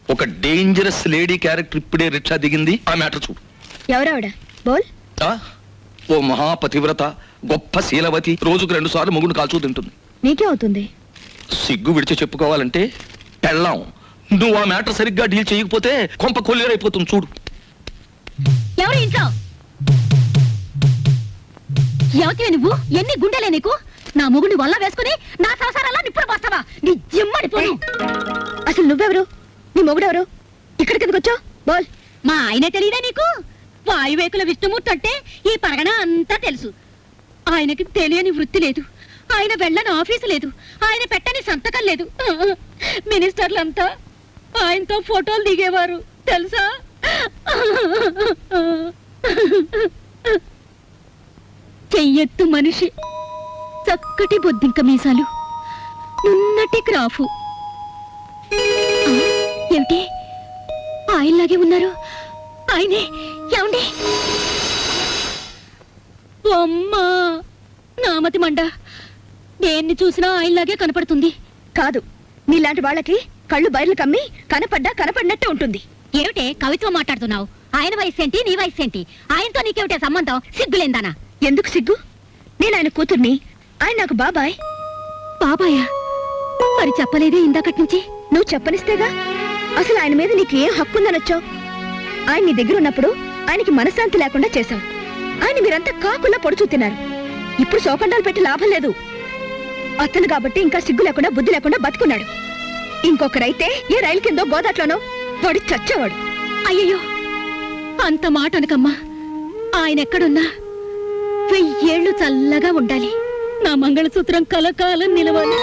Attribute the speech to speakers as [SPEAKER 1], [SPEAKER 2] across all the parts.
[SPEAKER 1] ఒక dangerous lady character ఇప్పుడే rickshaw దిగింది. ఆ మ్యాటర్ చూడు.
[SPEAKER 2] ఎవరావిడ బోల్?
[SPEAKER 1] ఓ మహాపతివ్రత, గొప్ప శీలవతి, రోజుకు 2 సార్లు మొగుడు కాల్చూ తింటుంది.
[SPEAKER 2] నీకే అవుతుంది.
[SPEAKER 1] సిగ్గు విడిచి చెప్పుకోవాలంటే పెళ్ళాం. నువ్వు ఆ మ్యాటర్ సరిగ్గా డీల్ చేయకపోతే కొంప కొల్లేరైపోతుంది చూడు.
[SPEAKER 2] ఎవరు ఇంట్లో? ఎవతివే నువ్వు? ఎన్ని గుండెలే నీకు? నా మొగుడిని వల్ల వేసుకుని నా సంసారాల్లో నిప్పుడు పోస్తావా? నీ జిమ్మడి పోను. అసలు నువ్వెవరు? నీ మొగుడెవరు? ఇక్కడికి ఎందుకు వచ్చావు? బోల్. మా ఆయనే తెలియదా నీకు? వాయువేకుల విష్ణుమూర్తి అంటే ఈ పరగణ అంతా తెలుసు. ఆయనకి తెలియని వృత్తి లేదు, ఆయన వెళ్ళని ఆఫీసు లేదు, ఆయన పెట్టని సంతకం లేదు. మినిస్టర్లంతా ఆయనతో ఫోటోలు దిగేవారు తెలుసా? చెయ్యెత్తు మనిషి, చక్కటి బొద్దింక మీసాలు, నున్నటి క్రాఫు. ఏమిటి ఆయనలాగే ఉన్నారు? ఆయనే ఏమండి? అమ్మా నామతి మండ, దేన్ని చూసినా ఆయనలాగే కనపడుతుంది. కాదు, నీలాంటి వాళ్ళకి కళ్ళు బయర్లు కమ్మి కనపడినట్టే ఉంటుంది. ఏమిటే కవిత్వం మాట్లాడుతున్నావు? ఆయన వయసు ఏంటి, నీ వయసు ఏంటి? ఆయనతో నీకేమిటే సంబంధం? సిగ్గులేందానా? ఎందుకు సిగ్గు? నేను ఆయన కూతుర్ని, ఆయన నాకు బాబాయ్. బాబాయా? మరి చెప్పలేదే ఇందాకటి నుంచి? నువ్వు చెప్పనిస్తేగా. అసలు ఆయన మీద నీకు ఏం హక్కుందనొచ్చావు? ఆయన నీ దగ్గర ఉన్నప్పుడు ఆయనకి మనశ్శాంతి లేకుండా చేశావు. ఆయన మీరంతా కాకుల్లా పొడుచూ తిన్నారు. ఇప్పుడు శోకండాలు పెట్టి లాభం లేదు. అతను కాబట్టి ఇంకా సిగ్గు లేకుండా బుద్ధి లేకుండా బతుకున్నాడు. ఇంకొకరైతే ఏ రైలు కిందో గోదాట్లోనో వాడు చచ్చేవాడు. అయ్యయ్యో, అంత మాట అనకమ్మా. ఆయన ఎక్కడున్నా 1000 ఏళ్ళు చల్లగా ఉండాలి. నా మంగళసూత్రం కలకాలం నిలవాలి.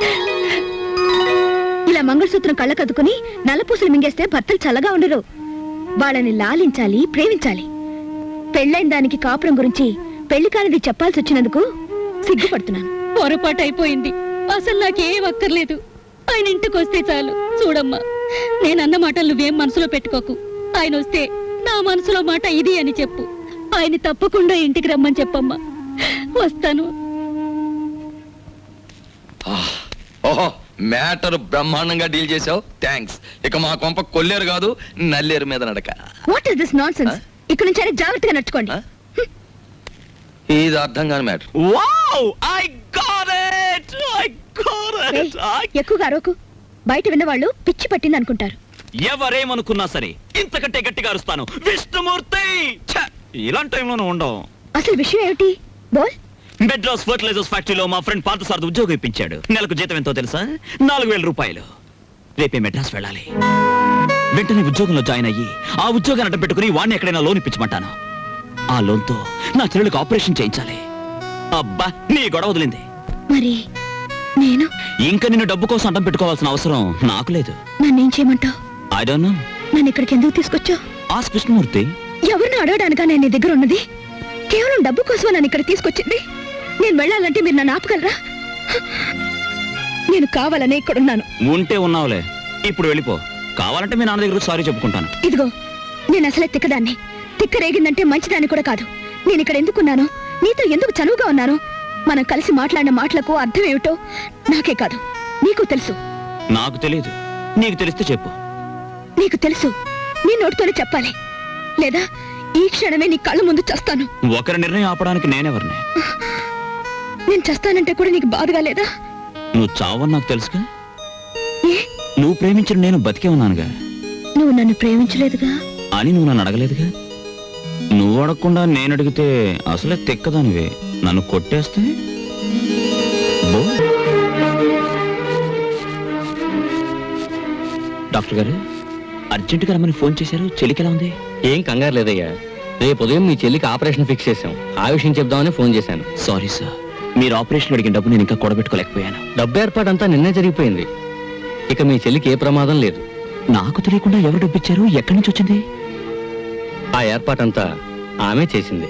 [SPEAKER 2] ఇలా మంగళసూత్రం కళ్ళకద్దుకుని నల్లపూసలు మింగేస్తే భర్తలు చల్లగా ఉండరు. వాళ్ళని లాలించాలి, ప్రేమించాలి. పెళ్ళైన దానికి కాపురం గురించి పెళ్లి కానిది చెప్పాల్సి వచ్చినందుకు సిగ్గుపడుతున్నాను. పొరపాటు అయిపోయింది. అసలు నాకేం అక్కర్లేదు. ఆయన ఇంటికి వస్తే చాలు. చూడమ్మా, నేనన్న మాటలు నువ్వేం మనసులో పెట్టుకోకు. ఆయన వస్తే నా మనసులో మాట ఇది అని చెప్పు. ఆయన తప్పకుండా ఇంటికి రమ్మని చెప్పమ్మా. వస్తాను.
[SPEAKER 1] ఓహో, మ్యాటర్ బ్రహ్మాండంగా డీల్ చేసావు. థ్యాంక్స్. ఇక మా కొంప కొల్లేరు కాదు, నల్లేరు మీద నడక.
[SPEAKER 2] What is this nonsense? ఇక్కడ నుంచి అయినా జాగ్రత్తగా నడుచుకోండి.
[SPEAKER 1] ఇది అర్థం కాని matter. Wow, I got it.
[SPEAKER 2] ఎక్కువగా అరవకు. బయట విన్నవాళ్ళు పిచ్చి పట్టింది అనుకుంటారు.
[SPEAKER 3] ఎవరేమనుకున్నా సరే ఇంతకంటే గట్టిగా అరుస్తాను. విష్ణుమూర్తి! ఇలాంటి టైంలోనూ ఉండవు.
[SPEAKER 2] అసలు విషయం ఏమిటి? బోల్.
[SPEAKER 3] మెడ్రాస్ ఫర్టిలైజర్స్ ఫ్యాక్టరీలో మా ఫ్రెండ్ పార్థసారథి ఉద్యోగం ఇప్పించాడు. నెలకు జీతం ఎంతో తెలుసా? 4000 రూపాయలు. రేపే మెడ్రాస్ వెళ్ళాలి. వెంటనే ఉద్యోగంలో జాయిన్ అయ్యి ఆ ఉద్యోగాన్ని అడ్డం పెట్టుకుని వాడిని ఎక్కడైనా లోన్ ఇప్పించమంటాను. ఆ లోన్తో నా చెల్లెలకు ఆపరేషన్ చేయించాలి. అబ్బా, నీ గొడవ వదిలింది.
[SPEAKER 2] మరి నేను
[SPEAKER 3] ఇంకా నిన్ను డబ్బు కోసం అడ్డం పెట్టుకోవాల్సిన అవసరం నాకు లేదు.
[SPEAKER 2] నన్నేం చేయమంటావు?
[SPEAKER 3] I don't know.
[SPEAKER 2] నన్ను ఇక్కడికి ఎందుకు తీసుకొచ్చావు?
[SPEAKER 3] ఆస్క్ కృష్ణమూర్తి.
[SPEAKER 2] ఎవరిని అడగడానికా నేను నీ దగ్గర ఉన్నది? కేవలం డబ్బు కోసమే నన్ను ఇక్కడ తీసుకొచ్చింది. నేను వెళ్ళాలంటే మీరు నన్ను ఆపగలరా? నేను కావాలనే ఇక్కడున్నాను.
[SPEAKER 3] ఉంటే ఉన్నావులే, ఇప్పుడు వెళ్ళిపో. కావాలంటే మీ నాన్న దగ్గర సారీ చెప్పుకుంటాను.
[SPEAKER 2] ఇదిగో, నేను అసలే తిక్కదాన్ని. తిక్క రేగిందంటే మంచిదాన్ని కూడా కాదు. నేను ఇక్కడ ఎందుకున్నాను, నీతో ఎందుకు చనువుగా ఉన్నాను, మనం కలిసి మాట్లాడిన మాటలకు అర్థం ఏమిటో నాకే కాదు నీకు తెలుసు.
[SPEAKER 3] నాకు తెలియదు, నీకు తెలిస్తే చెప్పు.
[SPEAKER 2] నీకు తెలుసు, నీ నోటితోనే చెప్పాలి. లేదా ఈ క్షణమే నీ కళ్ళ ముందు చస్తాను.
[SPEAKER 3] ఒకరి నిర్ణయం ఆపడానికి నేనెవరిని?
[SPEAKER 2] నేను చస్తానంటే కూడా నీకు బాధగా లేదా?
[SPEAKER 3] నువ్వు చావని నాకు తెలుసుగా.
[SPEAKER 2] ఏ?
[SPEAKER 3] నువ్వు ప్రేమించిన నేను బతికే ఉన్నానుగా.
[SPEAKER 2] నువ్వు నన్ను ప్రేమించలేదుగా
[SPEAKER 3] అని నువ్వు నన్ను అడగలేదుగా. నువ్వు అడగకుండా నేను అడిగితే అసలే తెక్కదానివే. నన్ను కొట్టేస్తే డాక్టర్ గారు అర్జెంటుగా రమ్మని ఫోన్ చేశారు. చెల్లికి ఎలా ఉంది?
[SPEAKER 4] ఏం కంగారు లేదయ్యా. రేపు ఉదయం మీ చెల్లికి ఆపరేషన్ ఫిక్స్ చేశాం. ఆ విషయం చెప్దామని ఫోన్ చేశాను.
[SPEAKER 3] సారీ సార్, మీరు ఆపరేషన్ అడిగిన డబ్బు నేను ఇంకా కూడబెట్టుకోలేకపోయాను.
[SPEAKER 4] డబ్బు ఏర్పాటంతా నిన్నే జరిగిపోయింది. ఇక మీ చెల్లికి ఏ ప్రమాదం లేదు.
[SPEAKER 3] నాకు తెలియకుండా ఎవరు డబ్బు ఇచ్చారు? ఎక్కడి నుంచి వచ్చింది?
[SPEAKER 4] ఆ ఏర్పాటంతా ఆమె చేసింది.